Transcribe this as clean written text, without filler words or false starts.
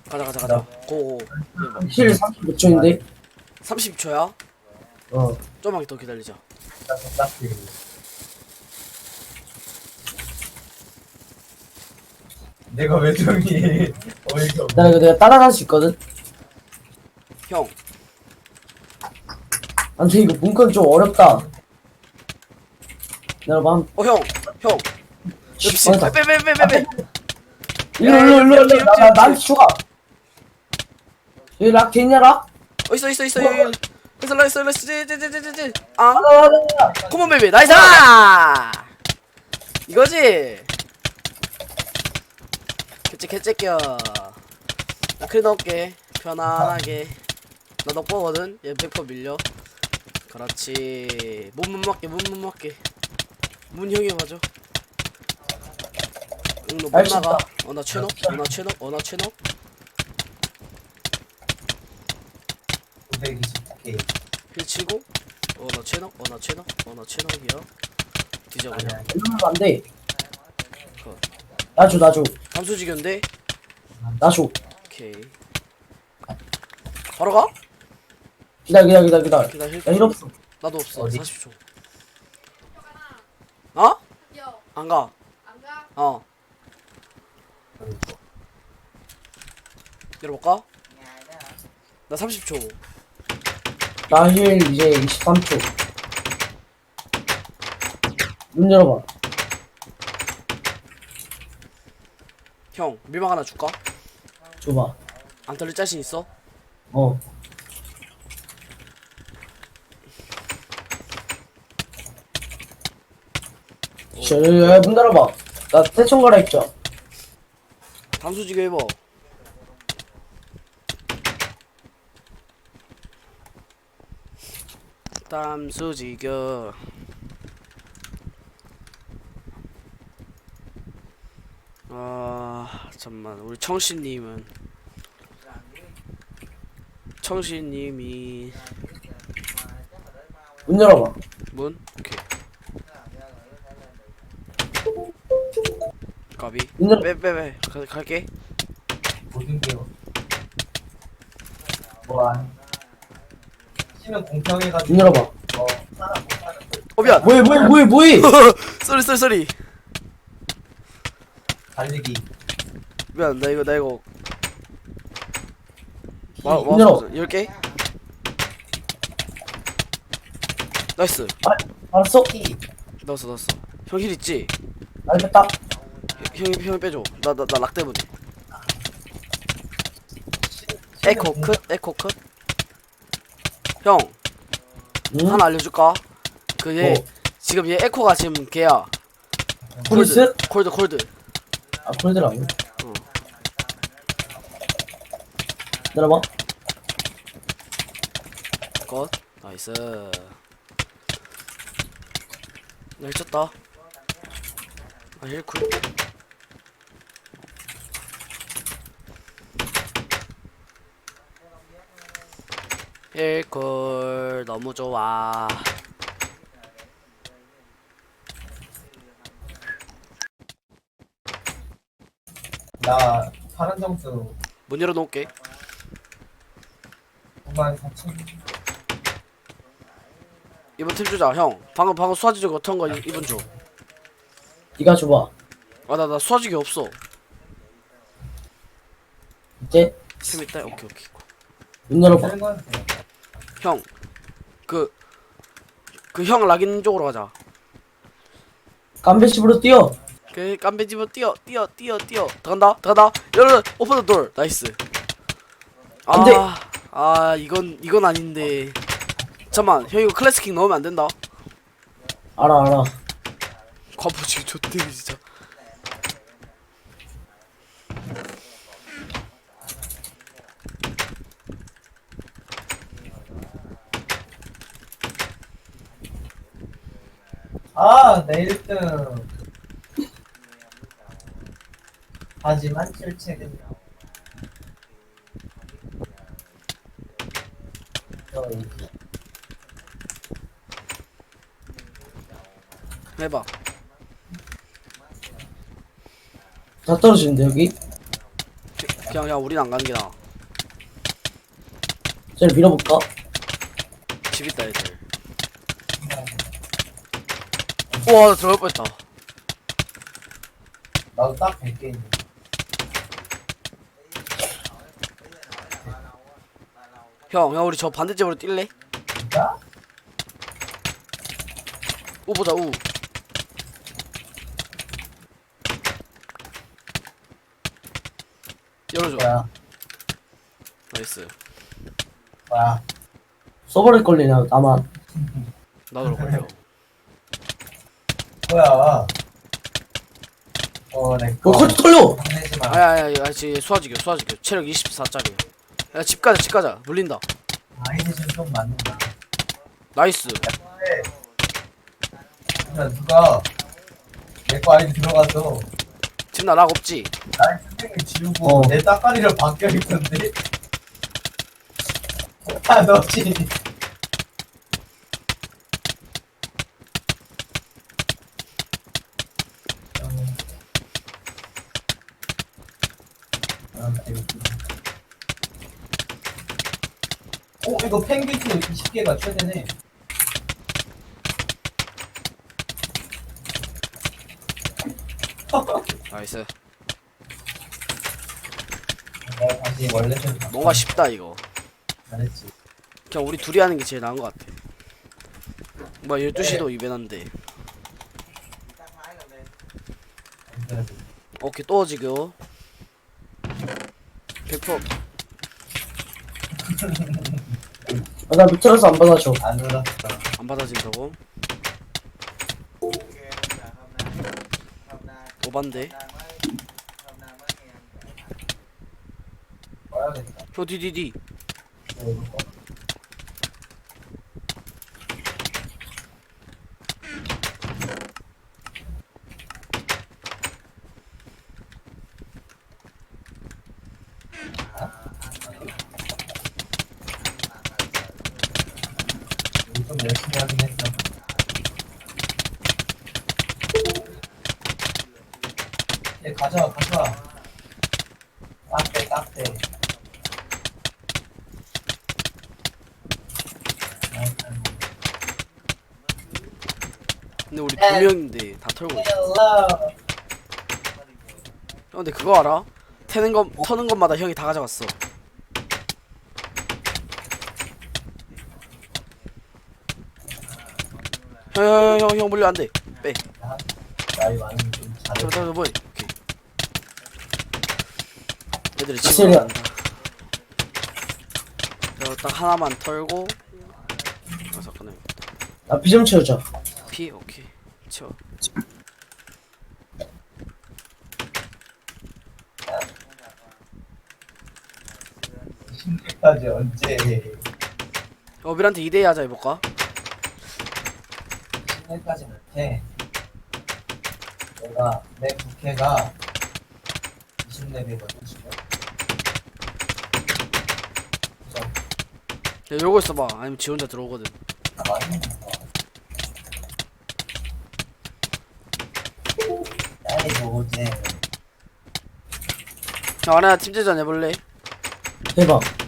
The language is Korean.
가자. 고고. 힐 36초인데? 30초야? 어. 좀만 더 기다리자. 내가 왜 정이 어이가 없네. 나 이거 내가 따라갈 수 있거든? 형, 아무튼 이거 문건 좀 어렵다. 내가 한, 형. 역시, 맞아. 빼. 일로, 나한테 추가. 여기 락 됐냐, 락? 있어. 레스. 아, 가자. 컴온 베이비, 나이스! 이거지? 개째껴. 나 크리 넣을게. 편안하게. 나 넉보거든? 얘 100% 밀려. 그렇지. 문 맞게. 문 형이 맞아. 응, 너 못 알수 나가. 있다. 나 최너? 나 최너? 920K. 힐 치고. 나 최너이야. 뒤져 그냥. 아니야. 이러면 안 돼. 그. 나 줘. 감수지견데? 나 줘. 오케이. 바로 가? 기다려. 기다려. 야, 힐 없어. 나도 없어. 어디? 40초. 어? 여, 안 가. 안 가? 어. 열어볼까? 나 30초. 나 힐 이제 23초. 문 열어봐. 형, 밀망 하나 줄까? 줘봐. 안 털릴 자신 있어? 어. 야, 문 열어봐. 나 태총 가라 했죠. 단수지게 해봐. 땀수지겨. 잠만. 우리 청신님이 문 열어봐. 문? 오케이. 까비. 문 열어. 빼. 갈게. 모든 게 뭐안 시는 공평해가지고. 문 열어봐. 사람 못 사는 거 미안. 뭐해? 쏘리. 달리기. 미안. 나 이거. 문 열어. 10개? 나이스. 알았어? 넣었어. 형 힐 있지? 알겠다. 형이 빼줘. 나 락 때문에. 에코 컷. 형, 응? 하나 알려줄까? 얘 뭐? 지금 얘 에코가 지금 걔야. 프리스? 콜드. 아, 콜드라고? 어. 열어봐. 컷. 나이스. 나 해쳤다. 힐쿨. 힐쿨 너무 좋아. 나 파란 점수 문 열어놓을게. 94,000. 이번 팀 주자. 형, 방금 수화지기 어떤 거 이번 줘. 네가 줘봐. 나 수화지기 없어. 이제 팀 있다. 오케이. 문 열어봐. 하는 건 돼. 형, 그 형 락인 쪽으로 가자. 깜배집으로 뛰어. 그 깜배집어 뛰어. 들어간다. 열어. 오픈 더 돌. 나이스. 안 돼. 이건 아닌데. 잠만, 형 이거 클래스킥 넣으면 안 된다. 알아. 과포지 좋대네 진짜. 내 1등. 하지만 실책은 해봐. 다 떨어지는데 여기? 그냥 우린 안 가는 게 나아. 쟤를 밀어볼까? 집 있다 애들. 우와 나 들어갈 뻔했다. 나도 딱 100개 있는. 형 우리 저 반대집으로 뛸래? 진짜? 우 보자 우. 열어줘. 뭐야? 나이스. 뭐야? 서버를 걸리냐 나만. 나도 걸려. 뭐야? 내거 컬트 털려. 내지 마. 아야 지금 수화지교 체력 24짜리. 야 집 가자 물린다. 아이디 좀 맞는다. 나이스. 야, 누가 내 거 아이디 들어가서 지금 나락 없지? 나의 선생님 지우고 내 따까리를 바뀌어 있던데? 아, 너지? 이거 펭귄 20개가 최대네. 나이스. 내가 다시 원래 좀 뭔가 쉽다 이거. 잘했지. 그냥 우리 둘이 하는 게 제일 나은 것 같아. 뭐 12시도 이벤한데. 오케이 또 지금 100% 나 밑으로서 안 받아줘. 안 울었어. 안 받아진다고? 오반데? 꺼야겠다. 형 디디디. 좀 열심히 하긴 했어. 가져와. 딱대. 근데 우리 두 명인데 다 털고 있어. 형 근데 그거 알아? 터는 것마다 형이 다 가져갔어. 형 물려 안돼. 빼. 나이 많으면 좀 잘해. 저 뭐해? 오케이. 애들이 확실히. 집으로 간다. 딱 하나만 털고. 잠깐만. 나 비 좀 채우자. 피 오케이. 채워. 까지 언제? 어빌한테 2대2 하자 해볼까? 10년까지 못해. 내 부캐가 20렙이거든 지금. 야 이러고 있어봐. 아니면 지 혼자 들어오거든. 많이 먹어. 나이 뭐지? 형 아나 팀제전 해볼래? 해봐.